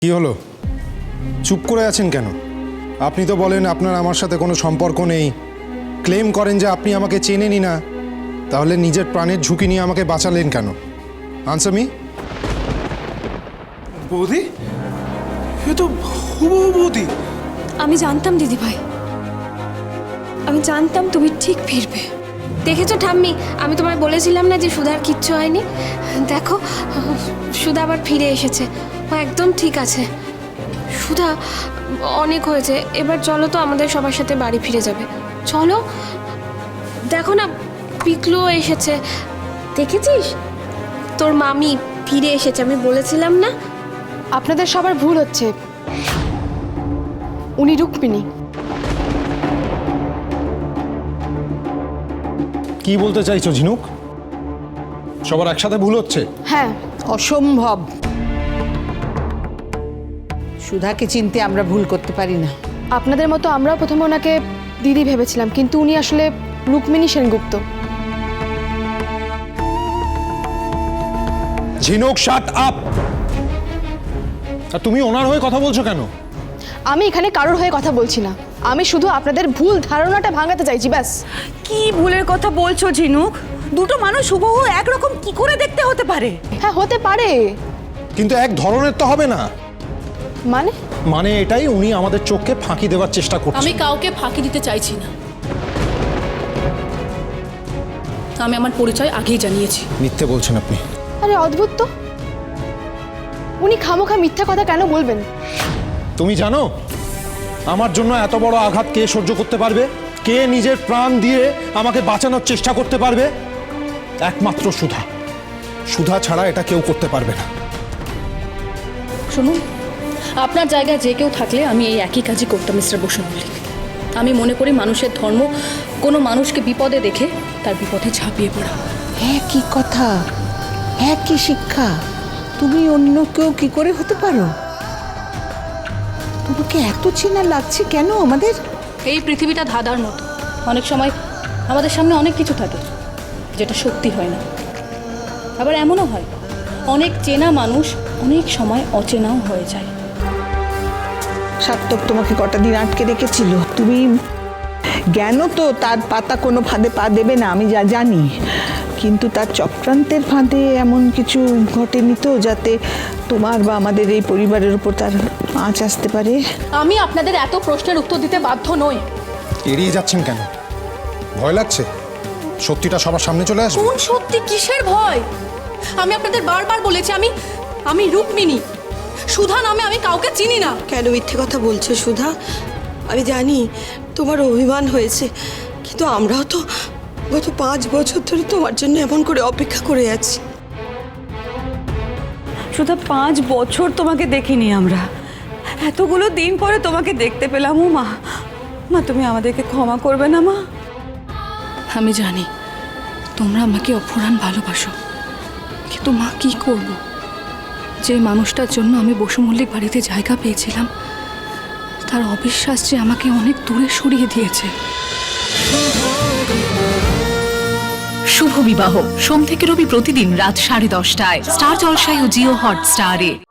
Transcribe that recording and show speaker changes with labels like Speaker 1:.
Speaker 1: কি হলো? চুপ করে আছেন কেন? আপনি তো বলেন আপনার আমার সাথে কোনো সম্পর্ক নেই, ক্লেম করেন যে আপনি আমাকে চেনেনই না, তাহলে নিজের প্রাণের ঝুঁকি নিয়ে আমাকে বাঁচালেন কেন? Answer me.
Speaker 2: বৌদি, এ তো হুবহু বৌদি।
Speaker 3: আমি জানতাম দিদি ভাই, আমি জানতাম তুমি ঠিক ফিরবে। দেখেছো ঠাম্মি, আমি তোমায় বলেছিলাম না যে সুধার কিচ্ছু হয়নি। দেখো, সুধা আবার ফিরে এসেছে, ও একদম ঠিক আছে। সুধা, অনেক হয়েছে, এবার চলো তো আমাদের সবার সাথে বাড়ি ফিরে যাবে। চলো, দেখো না পিকলুও এসেছে, দেখেছিস? তোর মামি ফিরে এসেছে, আমি বলেছিলাম না?
Speaker 4: আপনাদের সবার ভুল হচ্ছে, উনি রুক্মিণী।
Speaker 1: কি বলতে চাইছো ঝিনুক? সবার একসাথে ভুল হচ্ছে?
Speaker 4: হ্যাঁ,
Speaker 5: অসম্ভব। সুধাকে চিনতে আমরা ভুল করতে পারি না।
Speaker 4: আপনাদের মতো আমরাও প্রথমে ওনাকে দিদি ভেবেছিলাম, কিন্তু উনি আসলে রুক্মিণী সেনগুপ্ত।
Speaker 1: ঝিনুক, শাট আপ! আর তুমি ওনার হয়ে কথা বলছো কেন?
Speaker 4: আমি এখানে কারোর হয়ে কথা বলছি না, আমি শুধু আপনাদের ভুল ধারণাটা ভাঙাতে চাইছি, ব্যাস।
Speaker 6: কি ভুলের কথা বলছো ঝিনুক? দুটো মানুষ হুবহু একরকম কি করে দেখতে হতে পারে?
Speaker 4: হ্যাঁ, হতে পারে।
Speaker 1: কিন্তু এক ধরনের তো হবে না।
Speaker 4: মানে
Speaker 1: এটাই, উনি আমাদের চোখকে ফাঁকি দেওয়ার চেষ্টা করছেন।
Speaker 7: আমি কাউকে ফাঁকি দিতে চাইছি না, আমি আমার পরিচয় আগেই জানিয়েছি।
Speaker 1: মিথ্যে বলছেন আপনি।
Speaker 4: আরে অদ্ভুত তো, উনি খামোখা মিথ্যা কথা কেন বলবেন?
Speaker 1: তুমি জানো আমার জন্য এত বড় আঘাত কে সহ্য করতে পারবে? কে নিজের প্রাণ দিয়ে আমাকে বাঁচানোর চেষ্টা করতে পারবে? একমাত্র সুধা। সুধা ছাড়া এটা কেউ করতে পারবে না।
Speaker 7: শুনুন, আপনার জায়গায় যে কেউ থাকলে আমি এই একই কাজই করতাম মিস্টার বসু মল্লিক। আমি মনে করি মানুষের ধর্ম কোনো মানুষকে বিপদে দেখে তার বিপদে ঝাঁপিয়ে পড়া।
Speaker 5: একই কথা, একই শিক্ষা। তুমি অন্য কেউ কি করে হতে পারো? তোমাকে এত চেনা লাগছে কেন আমাদের?
Speaker 7: এই পৃথিবীটা ধাঁধার মতো, অনেক সময় আমাদের সামনে অনেক কিছু থাকে যেটা সত্যি হয় না, আবার এমনও হয় অনেক চেনা মানুষ অনেক সময় অচেনাও হয়ে যায়।
Speaker 5: সার্থক তোমাকে কটা দিন আটকে রেখেছিল। তুমি জ্ঞান তো তার পাতা কোনো ফাঁদে পা দেবে না, আমি যা জানি, কিন্তু তার চক্রান্তের ফাঁদে এমন কিছু ঘটেনি তো যাতে তোমার বা আমাদের এই পরিবারের উপর তার আঁচ আসতে পারে?
Speaker 7: আমি আপনাদের এত প্রশ্নের উত্তর দিতে বাধ্য নই।
Speaker 1: এড়িয়ে যাচ্ছেন কেন? ভয় লাগছে? সত্যিটা সবার সামনে চলে আসবে?
Speaker 7: কোন সত্যি? কিসের ভয়? আমি আপনাদের বারবার বলেছি আমি রুক্মিণী। সুধা নামে আমি কাউকে চিনি না।
Speaker 8: কেন মিথ্যে কথা বলছো সুধা? আমি জানি তোমার অভিমান হয়েছে, কিন্তু আমরাও তো গত 5 বছর ধরে তোমার জন্য এমন করে অপেক্ষা করে আছি।
Speaker 6: শুধু 5 বছর তোমাকে দেখিনি আমরা, এতগুলো দিন পরে তোমাকে দেখতে পেলাম। ও মা, মা তুমি আমাদেরকে ক্ষমা করবে না মা?
Speaker 7: আমি জানি তোমরা আমাকে অফুরান ভালোবাসো, কিন্তু মা কি করব? যে মানুষটার জন্য আমি বসু মল্লিক বাড়িতে জায়গা পেয়েছিলাম, তার অবিশ্বাস যে আমাকে অনেক দূরে সরিয়ে দিয়েছে।
Speaker 9: শুভ বিবাহ সোম থেকে রবি প্রতিদিন রাত 10:30টায় স্টার জলসায় ও জিও হটস্টারে।